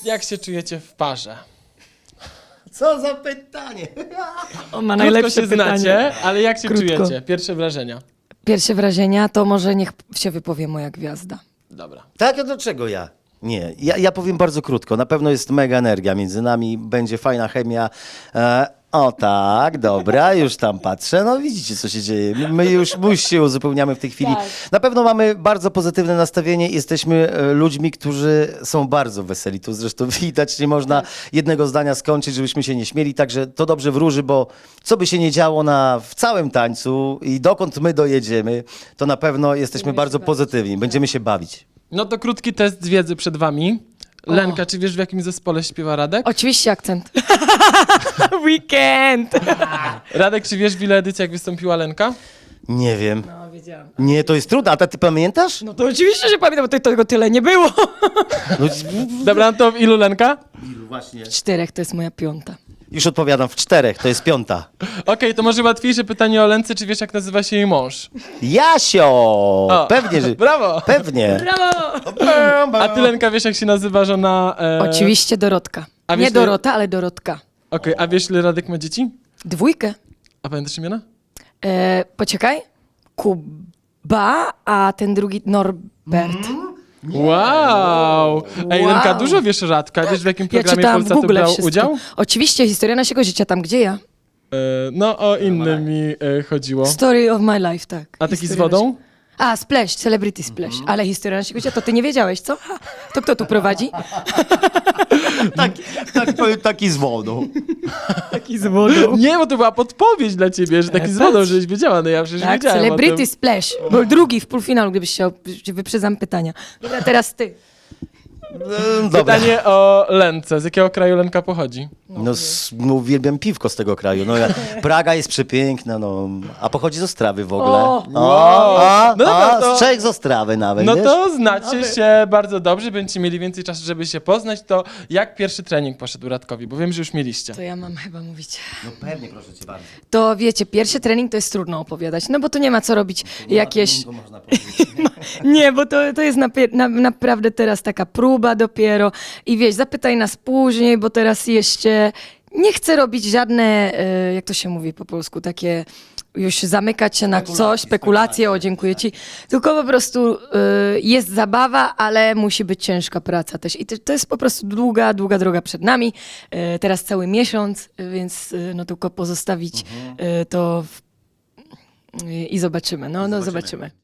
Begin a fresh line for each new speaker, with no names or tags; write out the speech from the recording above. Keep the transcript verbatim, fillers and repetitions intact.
Jak się czujecie w parze?
Co za pytanie?
On ma
Krótko
najlepsze
się
pytanie.
znacie, ale jak się
Krótko.
czujecie? Pierwsze wrażenia.
Pierwsze wrażenia to może niech się wypowie moja gwiazda.
Dobra.
Tak, a do czego ja? Nie, ja, ja powiem bardzo krótko. Na pewno jest mega energia między nami, będzie fajna chemia. E, o tak, dobra, już tam patrzę. No widzicie, co się dzieje. My już, my już się uzupełniamy w tej chwili.
Tak.
Na pewno mamy bardzo pozytywne nastawienie. Jesteśmy e, ludźmi, którzy są bardzo weseli. Tu zresztą widać, nie można jednego zdania skończyć, żebyśmy się nie śmieli. Także to dobrze wróży, bo co by się nie działo na, w całym tańcu i dokąd my dojedziemy, to na pewno jesteśmy
Będziemy
bardzo
się bawić.
pozytywni. Będziemy się bawić.
No to krótki test z wiedzy przed wami. Lenka, czy wiesz, w jakim zespole śpiewa Radek?
Oczywiście akcent. Weekend!
Radek, czy wiesz, w ile edycjach wystąpiła Lenka?
Nie wiem.
No, wiedziałam.
Nie, to jest trudne. A ty pamiętasz?
No to oczywiście, że pamiętam, bo to- tego tyle nie było.
No,
Dobra, no to w ilu Lenka?
właśnie.
Czterech to jest moja piąta.
Już odpowiadam w czterech, to jest piąta.
Okej, to może łatwiejsze pytanie o Lence, czy wiesz, jak nazywa się jej mąż?
Jasio!
O,
Pewnie, że...
Brawo!
Pewnie.
Brawo!
A ty, Lenka, wiesz, jak się nazywa żona... E...
Oczywiście Dorotka.
A
Nie
wiesz,
Dorota, ale Dorotka.
Okej, a wiesz, ile Radek ma dzieci?
Dwójkę.
A pamiętasz imiona?
E, poczekaj. Kuba, a ten drugi Norbert.
Wow! Ej,
Wow.
Lenka, dużo wiesz o Radka. Wiesz, w jakim
Ja
programie
czytałam w
Polsatu
Google
brał
wszystko.
udział?
Oczywiście, historia naszego życia, tam gdzie ja.
E, no, o inny mi e, chodziło.
Story of my life, tak.
A taki z
Historia
wodą?
naszego- A, Splash, Celebrity Splash. Ale historia naszego życia, to ty nie wiedziałeś, co? Ha, to kto tu prowadzi?
Taki, tak, powiem, taki z wodą.
Taki z wodą.
Nie, bo to była podpowiedź dla ciebie, że taki z wodą, żebyś wiedziała. No ja przecież
Tak,
wiedziałem o
Celebrity
tym.
Splash. Był drugi w półfinalu, gdybyś chciał, wyprzedzam pytania. Dobra, teraz ty.
Mm, Dobra.
Pytanie o Lence. Z jakiego kraju Lenka pochodzi?
No, s- no, uwielbiam piwko z tego kraju. No, ja, Praga jest przepiękna, no, a pochodzi z Ostrawy w ogóle.
O!
O, a,
No dobra,
a,
to-
z Czech z Ostrawy nawet,
No
wiesz?
to znacie się bardzo dobrze, będziecie mieli więcej czasu, żeby się poznać. To jak pierwszy trening poszedł Radkowi? Bo wiem, że już mieliście.
To ja mam chyba mówić.
No pewnie, proszę cię bardzo.
To wiecie, pierwszy trening to jest trudno opowiadać, no bo to nie ma co robić jakieś...
To można powiedzieć.
Nie, bo to, to jest napie- na, naprawdę teraz taka próba dopiero i wiesz, zapytaj nas później, bo teraz jeszcze nie chcę robić żadne, e, jak to się mówi po polsku, takie już zamykać się na coś, spekulacje, o dziękuję ci, tylko po prostu e, jest zabawa, ale musi być ciężka praca też i to, to jest po prostu długa, długa droga przed nami, e, teraz cały miesiąc, e, więc e, no tylko pozostawić e, to w, i zobaczymy, no, no zobaczymy.